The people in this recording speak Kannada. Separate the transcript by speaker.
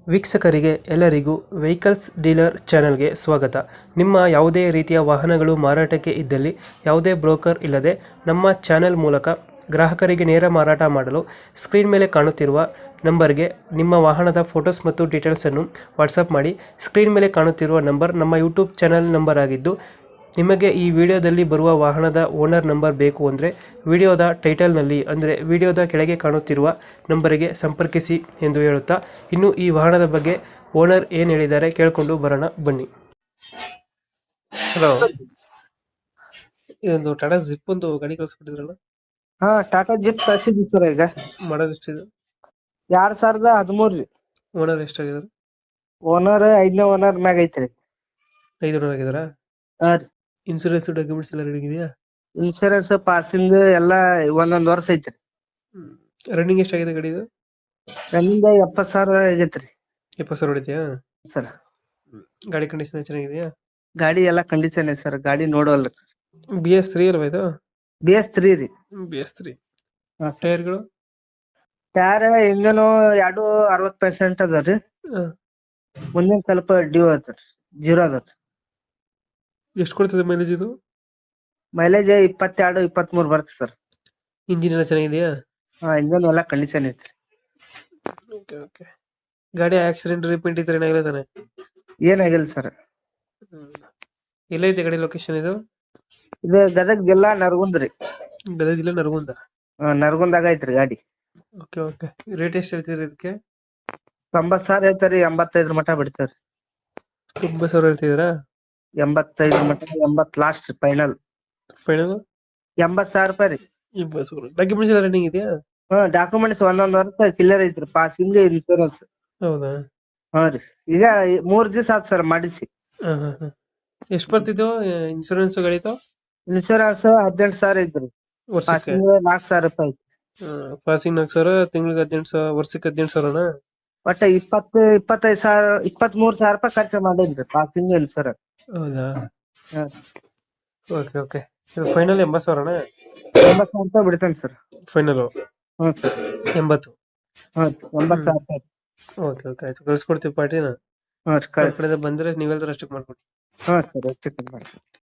Speaker 1: ವೀಕ್ಷಕರಿಗೆ ಎಲ್ಲರಿಗೂ ವೆಹಿಕಲ್ಸ್ ಡೀಲರ್ ಚಾನೆಲ್ಗೆ ಸ್ವಾಗತ. ನಿಮ್ಮ ಯಾವುದೇ ರೀತಿಯ ವಾಹನಗಳು ಮಾರಾಟಕ್ಕೆ ಇದ್ದಲ್ಲಿ ಯಾವುದೇ ಬ್ರೋಕರ್ ಇಲ್ಲದೆ ನಮ್ಮ ಚಾನೆಲ್ ಮೂಲಕ ಗ್ರಾಹಕರಿಗೆ ನೇರ ಮಾರಾಟ ಮಾಡಲು ಸ್ಕ್ರೀನ್ ಮೇಲೆ ಕಾಣುತ್ತಿರುವ ನಂಬರ್ಗೆ ನಿಮ್ಮ ವಾಹನದ ಫೋಟೋಸ್ ಮತ್ತು ಡೀಟೇಲ್ಸನ್ನು ವಾಟ್ಸಪ್ ಮಾಡಿ. ಸ್ಕ್ರೀನ್ ಮೇಲೆ ಕಾಣುತ್ತಿರುವ ನಂಬರ್ ನಮ್ಮ ಯೂಟ್ಯೂಬ್ ಚಾನೆಲ್ ನಂಬರ್ ಆಗಿದ್ದು, ನಿಮಗೆ ಈ ವಿಡಿಯೋದಲ್ಲಿ ಬರುವ ವಾಹನದ ಓನರ್ ನಂಬರ್ ಬೇಕು ಅಂದರೆ ವಿಡಿಯೋದ ಟೈಟಲ್ನಲ್ಲಿ ಅಂದರೆ ವಿಡಿಯೋದ ಕೆಳಗೆ ಕಾಣುತ್ತಿರುವ ನಂಬರಿಗೆ ಸಂಪರ್ಕಿಸಿ ಎಂದು ಹೇಳುತ್ತಾ, ಇನ್ನು ಈ ವಾಹನದ ಬಗ್ಗೆ ಓನರ್ ಏನು ಹೇಳಿದ್ದಾರೆ ಕೇಳಿಕೊಂಡು ಬರೋಣ ಬನ್ನಿ. ಹಲೋ, ಇದೊಂದು ಟಾಟಾ ಜಿಪ್ ಒಂದು ಗಾಡಿ ಕಳಿಸ್ಕೊಟ್ಟಿದ್ರಲ್ಲ,
Speaker 2: ಹಾ ಟಾಟಾ ಜಿಪ್ ಕಳ್ಸಿದ್ವಿ ಸರ್. ಈಗ
Speaker 1: ಮಾಡೋದು ಎಷ್ಟಿದೆ?
Speaker 2: 2013 ರೀ.
Speaker 1: ಓನರ್ ಎಷ್ಟಾಗಿದ್ದಾರೆ?
Speaker 2: ಓನರ್ 5ನೇ ಓನರ್ ಮ್ಯಾಗ ಐತ್ರಿ.
Speaker 1: 5 ಓನರ್ ಆಗಿದಾರಾ?
Speaker 2: ಹಾ ರೀ.
Speaker 1: ಇನ್ಸೂರೆನ್ಸ್ ಡಾಕ್ಯುಮೆಂಟ್ಸ್ ಎಲ್ಲ ರೆಡಿ ಇದೆಯಾ?
Speaker 2: ಇನ್ಶೂರೆನ್ಸ್ ಪಾಸಿಂಗ್ ಎಲ್ಲಾ ಒಂದೊಂದ್ ವರ್ಷ ಐತ್ರಿ.
Speaker 1: ರನ್ನಿಂಗ್ ಎಷ್ಟಾಗಿದೆ ಗಾಡಿದು?
Speaker 2: ನನ್ನಿಂದ 70,000 ಆಗೈತ್ರಿ
Speaker 1: 70,000 ಹೊಡಿದ್ಯಾ
Speaker 2: ಸರ್.
Speaker 1: ಗಾಡಿ ಕಂಡೀಷನ್ ಚೆನ್ನಾಗಿದೆಯಾ?
Speaker 2: ಗಾಡಿ ಎಲ್ಲಾ ಕಂಡೀಷನ್ ಐತಿ ಸರ್. ಗಾಡಿ ನೋಡವಲ್ರಿ.
Speaker 1: BS3 ಅಲ್ವಾ ಇದು?
Speaker 2: BS3 ರೀ.
Speaker 1: BS3.
Speaker 2: ಹಾ.
Speaker 1: ಟೈರ್ಗಳು?
Speaker 2: ಟೈರ್ ಇಂಜನ್ 2 60% ಅದ ರೀ. ಮುಂದಿನ ಸ್ವಲ್ಪ ಡ್ಯೂ ಅದ ರೀ, 0 ಅದ ರೀ.
Speaker 1: ಎಷ್ಟು ಕೊಡ್ತದೆ ಮೈಲೇಜ್ ಇದು?
Speaker 2: ಮೈಲೇಜ್ 22 23 ಬರುತ್ತೆ ಸರ್.
Speaker 1: ಇಂಜಿನ್ ಎಲ್ಲ ಚೆನ್ನಾಗಿದೆಯಾ?
Speaker 2: ಹಾ, ಇಂಜನ್ ಎಲ್ಲಾ ಕಂಡೀಷನ್ ಐತ್ರಿ.
Speaker 1: ಓಕೆ. ಗಾಡಿ ಆಕ್ಸಿಡೆಂಟ್ ರಿಪೇಂಟ್ ಇದ್ರೆ ಏನಾಗಿಲ್ಲ ತಾನೆ?
Speaker 2: ಏನಾಗಿಲ್ಲ ಸರ್.
Speaker 1: ಎಲ್ಲೈತೆ ಗಾಡಿ ಲೊಕೇಶನ್ ಇದು?
Speaker 2: ಇದು ಗದಗ ಜಿಲ್ಲಾ ನರಗುಂದ್ ರೀ.
Speaker 1: ಗದಗ ಜಿಲ್ಲೆ ನರಗುಂದ?
Speaker 2: ನರಗುಂದಾಗ ಐತ್ರಿ ಗಾಡಿ.
Speaker 1: ಓಕೆ. ರೇಟ್ ಎಷ್ಟು ಹೇಳ್ತೀರಿ ಇದಕ್ಕೆ?
Speaker 2: 90,000 ಹೇಳ್ತಾರಿ. 85 ಮಟ ಬಿಡ್ತಾರಿ.
Speaker 1: 90,000 ಹೇಳ್ತಿದ್ದೀರಾ?
Speaker 2: 85 ಮಟ, 80 ಲಾಸ್ಟ್ ಫೈನಲ್.
Speaker 1: ಫೈನಲ್
Speaker 2: 80,000 ರೂಪಾಯಿ ರೀ.
Speaker 1: 80,000. ಡಾಕ್ಯುಮೆಂಟ್ಸ್ ಎಲ್ಲ ರನ್ನಿಂಗ್ ಇದೆಯಾ?
Speaker 2: ಡಾಕ್ಯುಮೆಂಟ್ಸ್ ಒಂದೊಂದ್ ವರ್ಷ ಕ್ಲಿಯರ್ ಐತ್ರಿ. Passing, insurance.
Speaker 1: ಹೌದಾ?
Speaker 2: ಹಾ ರೀ. ಈಗ 3 ದಿವಸ ಆತ್ ಸರ್ ಮಾಡಿಸಿ.
Speaker 1: ಎಷ್ಟು ಬರ್ತಿದ್ದು ಇನ್ಶೂರೆನ್ಸ್ ಗಾಡಿದು?
Speaker 2: ಇನ್ಶೂರೆನ್ಸ್ 18,000 ಐತ್ರಿ.
Speaker 1: ವರ್ಷಕ್ಕೆ?
Speaker 2: ಪಾಸಿಂಗ್ 4,000 ರೂಪಾಯಿ ಐತಿ.
Speaker 1: ಪಾಸಿಂಗ್ 4,000, ತಿಂಗಳಿಗೆ 18,000, ವರ್ಷಕ್ಕೆ 18,000ನಾ?
Speaker 2: ಒಟ್ಟ 25,000 23,000 ರೂಪಾಯಿ ಖರ್ಚು ಮಾಡೇನ್ರಿ ಪಾಸಿಂಗ್, ಇನ್ಶೂರೆನ್ಸ್.
Speaker 1: ಹೌದಾ?
Speaker 2: ಹಾ.
Speaker 1: ಓಕೆ. ಫೈನಲ್ 80,000ನಾ?
Speaker 2: 80,000 ರೂಪಾಯಿ ಬಿಡ್ತೇನೆ ಸರ್.
Speaker 1: ಫೈನಲ್
Speaker 2: ಹ್ಞೂ ಸರ್.
Speaker 1: 80?
Speaker 2: ಹಾ, 80,000 ರೂಪಾಯಿ.
Speaker 1: ಓಕೆ ಆಯ್ತು, ಕಳ್ಸ್ಕೊಡ್ತೀವಿ ಪಾರ್ಟಿನ.
Speaker 2: ಹಾ
Speaker 1: ನಮ್ಮ ಕಡೆಯಿಂದ ಬಂದ್ರೆ ನೀವೆಲ್ಲರೂ ಅಷ್ಟಕ್ಕೆ ಮಾಡ್ಕೊಡಿ.
Speaker 2: ಹಾ ಸರ್, ಹೆಚ್ಚು ಕಮ್ಮಿ ಮಾಡಿ.